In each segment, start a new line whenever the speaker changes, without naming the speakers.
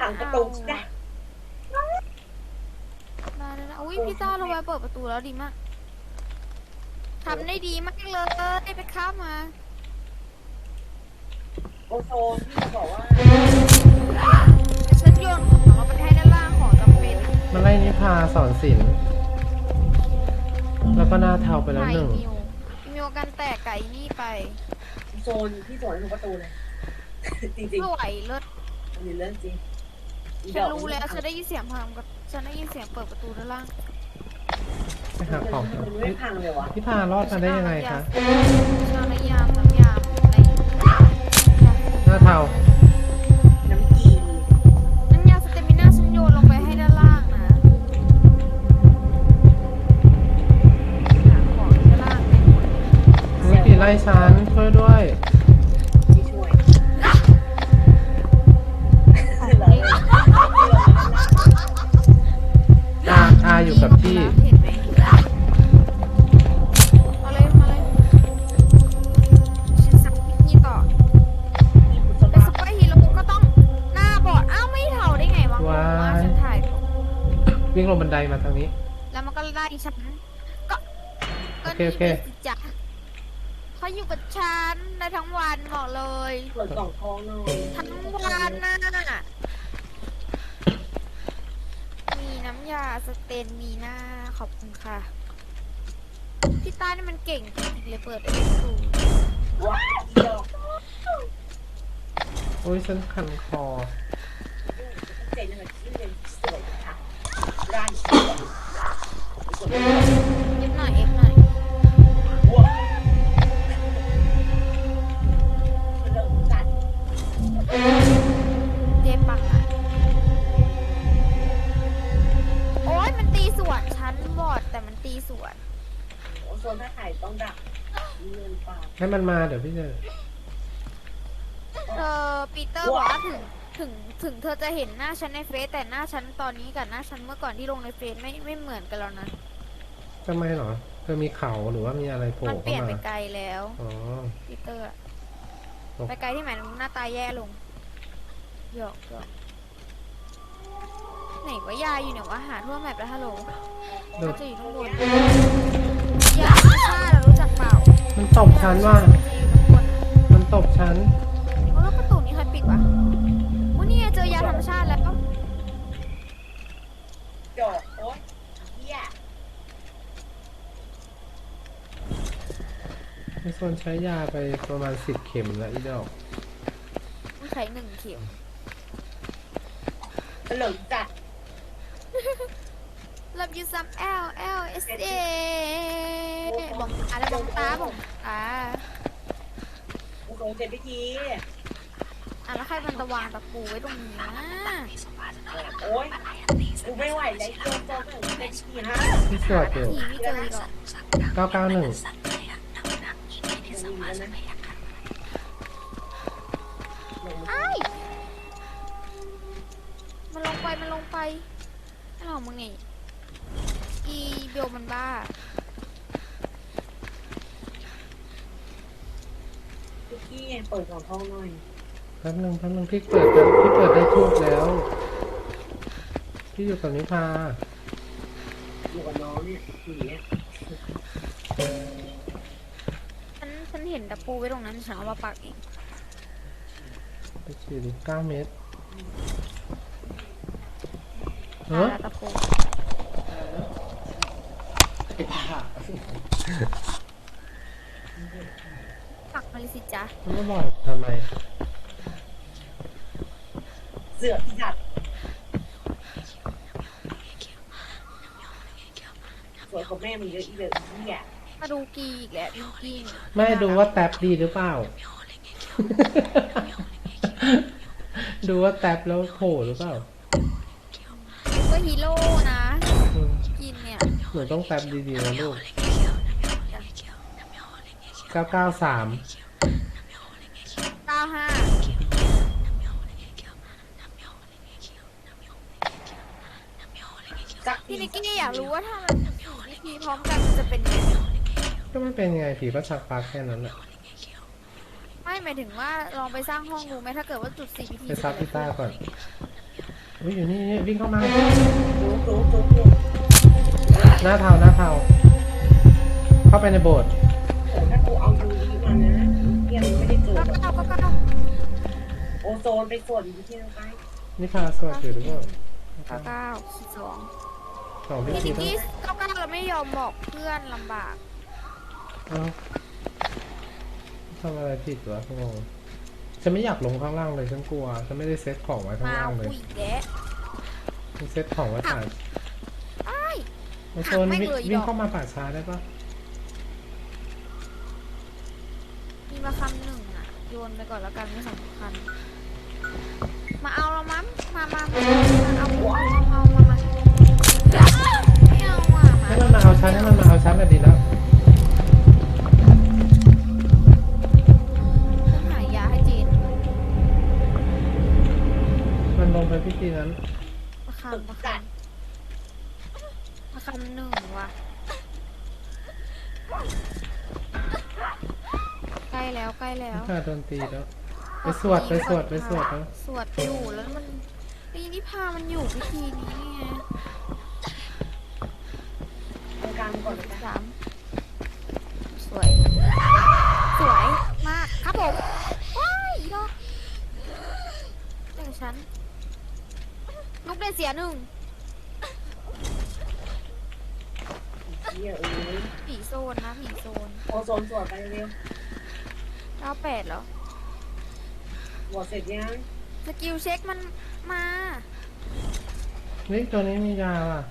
ประตูนะ
ได้อุ้ยพี่ต้าเราไปเปิดประตูแล้วดีมากทำได้ดีมากเลยได้ไปข้ามมา
โอโซนที่จะบอกว่า
ฉันโยนของเราไปให้ด้านล่างของจำเป็น
มันไล่นิพาสอนศิลป์แล้วก็หน้าเทาไปแล้วหนึ่ง
มิวกันแตกไก่นี่ไป
โซนที่สวนทุกประตูเลยจริง
ไม่ไหวเลิศ
อันนี้เรื่องจริง
ฉันรู้แล้วฉันได้ยินเสียงพังกับฉันได้ยินเสียงเปิดประตูด้านล่าง
ไปหาของ
ไม่พังเลยวะ
พี่พารอดมาได้ยังไงคะ
น้ำยามใน
หน้าเทา
น้ำกี
น้ำยาสเตมิน่าฉันโยนลงไปให้ด้านล่างนะหาของด้านล่าง
วิธีไล่ฉันช่วยด้วย
ที่ช่วย
อาอยู่กับที่
เห็นไหมมาเลยฉันสับนี่ต่อเป็นซุปเปอร์ฮีโร่ก็ต้องหน้าบอดอ้าวไม่เท่าได้ไงวะว่าฉันถ่าย
วิ่งลงบันไดมาทางนี้
แล้วมันก็ไล่ฉันก็
โอเค
จ้ะเขาอยู่กับฉันได้ทั้งวันบอกเลย
เปิดกล่องทองหน่อย
ทั้งวันน่ะมีน้ำยาสเตนมีหน้าขอบคุณค่ะพี่ต้านี่มันเก่งจริงๆเลยเปิดได้ถูก
ว้าวดอก
โอ้ยฉันคันคอ
เจ๋งเลยที่เป็นสวยค่ะร้าน
เอฟหน่อย
ว้าวเริ่มจัด
เจ๊ปังอ่ะโอ้ยมันตีสวนชั้นบอดแต่มันตีสวน
โอ้โซนถ้าถ่ายต้องดักเงินปาก
ให้มันมาเดี๋ยวพี่จะ
ปีเตอร์บอกว่าถึงเธอจะเห็นหน้าฉันในเฟซแต่หน้าฉันตอนนี้กับหน้าฉันเมื่อก่อนที่ลงในเฟซไม่เหมือนกันแล้วนะ
ทำไมหรอเธอมีเขาหรือว่ามีอะไรโผล่
เข้ามามันเปลี่ยนไปไกล
แ
ล้ว
อ๋อ
ปีเตอร์ไปไกลที่ไหนหน้าตาแย่ลงหยอกไหนว่ายายอยู่เนี่ยว่าหาทั่วแมปแล้วฮัลโหลจะอยู่ข้างบนยาไม่ใช่เรารู้จักเปล่า
มันตบฉันว่ามันตบฉัน
แล้วประตูนี้ใครปิดวะวันนี้เจอยาธรรมชาติแล้ว
จอดโอ๊ยเฮีย
ในโซนใช้ยาไปประมาณ10 เข็มแล้วอีดอก
ต้องใช้1 เข็ม
เหลิงจัด
Love you some LLSA บอกอะไรบอกตา
โอ้โหเสร็จพิธี
แล้วใครมันตะวางตะปูไว้ตรงนี้
โอ๊ยกูไม่ไหวเลยโจนเป็นทีฮะ
ที่สวดอยู่
ไม่เจอหรอก
991
มันลงไปไม่หรอกมึงนี่อีเบลมันบ้า
พี่เปิดกล่องทองหน่อย
แป๊บนึงพี่เปิดได้ทูบแล้วพี่อยู่กับนิพา
อยู่กับน้องเนี่ยผีเนี่ย
ฉันเห็นตะปูไว้ตรงนั้นฉันเอามาปักเอง
ไปฉีด9 เมตร
ตะปูปักมาเลยสิจ๊ะ
ไม่บอกทำไม
เสือพี่จัดสวยกว่าแม่มึงเยอะอีเลยเนี่ย
มาดูกีอีกแล้วดูกี
ไม่ดูว่าแท็บดีหรือเปล่าดูว่าแท็บแล้วโผล่หรือเปล่า
ก็ฮีโร่นะกินเนี่ย
หนูต้องแท็บดีๆนะลูก993 95
พี่นิกกี้อยากรู้ว่าถ้ามันวิธีพร้อมกันมันจะเป็นยังไง
ก็ไม่เป็นไงผีประชักปากแค่นั้นแหละ
ไม่หมายถึงว่าลองไปสร้างห้องดูไหมถ้าเกิดว่าจุด CPT
ไปซับพิต้าก่อนอุ้ยอยู่นี่วิ่งเข้ามา
จุ๊บ
หน้าเทาหน้าเทาเข้าไปในโบสถ์
โอ้ถ้ากูเอายูรีมานะเฮียมันไม่ได้เกิด
ก็
หรอก
ก็
โอโซนไปส่วนอยู่ที่นั่นไป
นี่พาสวดอยู่หรือเปล่า
9
สองพี่
พี่
ที
นิก
แล้ว
กี้99เราไม่ยอมบอกเพื่อนลำบาก
เอ้าทำอะไรผิดวะงงฉันไม่อยากลงข้างล่างเลยฉันกลัวฉันไม่ได้เซตของไว้ข้าง
มา
ล่างเลย
คุยแกะ
ฉันเซตของไว้ป่า
ไอ้าย
ไอโซน
หักไม่
วิ่ง
เลยอีดอก
วิ่งเข้ามาป่าช้าได้ปะ
มีมาคำหนึ่งอ่ะ โยนไปก่อนแล้วกันไม่สำคัญ มาเอาเรามั้งมาเอาไม่เอาอ่ะ
ให้มันมาเอาชั้นให้มันมาเอาชั้นน่ะดีแล้ว
ฉันหายาให้จีน
มันลงไปพิธีนั้น
มาคำหนึ่งว่ะใกล้แล้ว
ถ้าโดนตีแล้วไปสวดแล้ว
สวดอยู่แล้วมันปีนี้พามันอยู่พิธีนี้ไง
ตรงกลางก่อนเลยนะ
3สวยมากครับผมว้ายอีดอกแต่ฉันลูกได้เสีย1
เฮีย
ผีโซนนะผีโซน
โอโซนส่วนไปเร็ว
98แล้ว
หมดเสร็จยัง
สกิลเช็คมันมา
นี่ตัวนี้มียาอ่ะ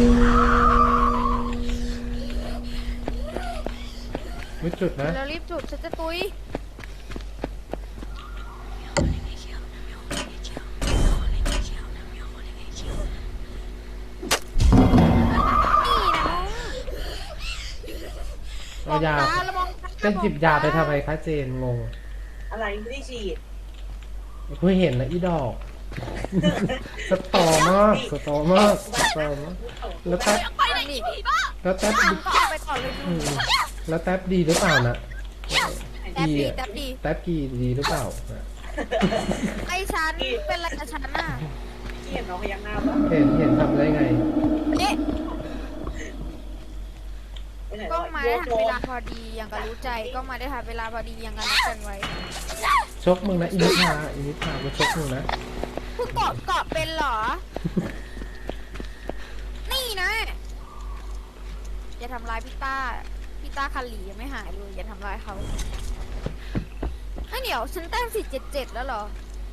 วิจุดนะ
แล้วรีบจุดฉันจะตุยนี่นะ
เอายา
ระวังตา
จะหยิบยาไปทำไมคะเจนงง
อะไรไม่ได้ฉีด
เพิ่งเห็นนะอีดอก สตอมากแล้วแท็บ
ไปไหนนี่ผีบ้า
แล้วแท็บ
ก็เอาไปก่อนเลย
อืมแล้วแท็บดีหรือเปล่านะ
แท็บดี
อะ
แท็บดี
แท็บดีหรือเปล่า
ไอ้ฉันเป็นอะไรกับฉันน่ะ
ที่เห็นน้องพยักหน้าปะ
เห็นทำได้ไง
เอ๊ะ
ไปไหน
กล้องมาได้ทัน
โย
เวลาพอดีอย่างกับรู้ใจกล้องมาได้ทันเวลาพอดีอย่างกับนัดกันไว้
ชกมึงนะอินิพากูชกมึงนะ
เพิ่งเกาะเป็นเหรอ นี่นะอย่าทำร้ายพี่ต้าคาหลียังไม่หายเลยอย่าทำร้ายเขาไอ้เดี๋ยวฉันแต้ม477แล้วเหรอ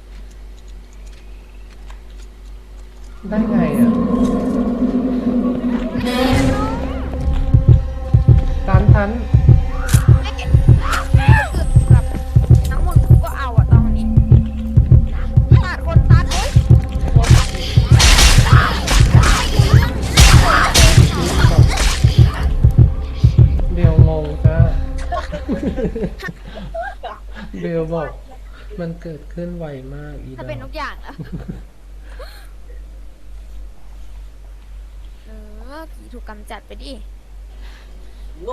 ได้ไงอ่ะทัน
ไม่เก็บแบบน้ำมนต์กูก็เอาอะตอนนี้ตัดคนตัดเอ้ย
เบลงงจ้า เบลบอกมันเกิดขึ้นไวมากอีด
ถ้า
อ
เป็นทุกอย่างแล้วผีถูกกำจัดไปดิ
โง่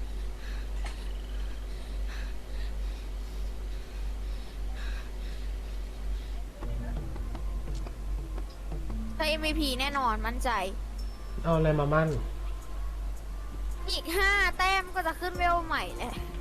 ถ้า MVP แน่นอนมั่นใจ
เอาอะไรมามั่น
อีก5 แต้มก็จะขึ้นเวลใหม่แหละ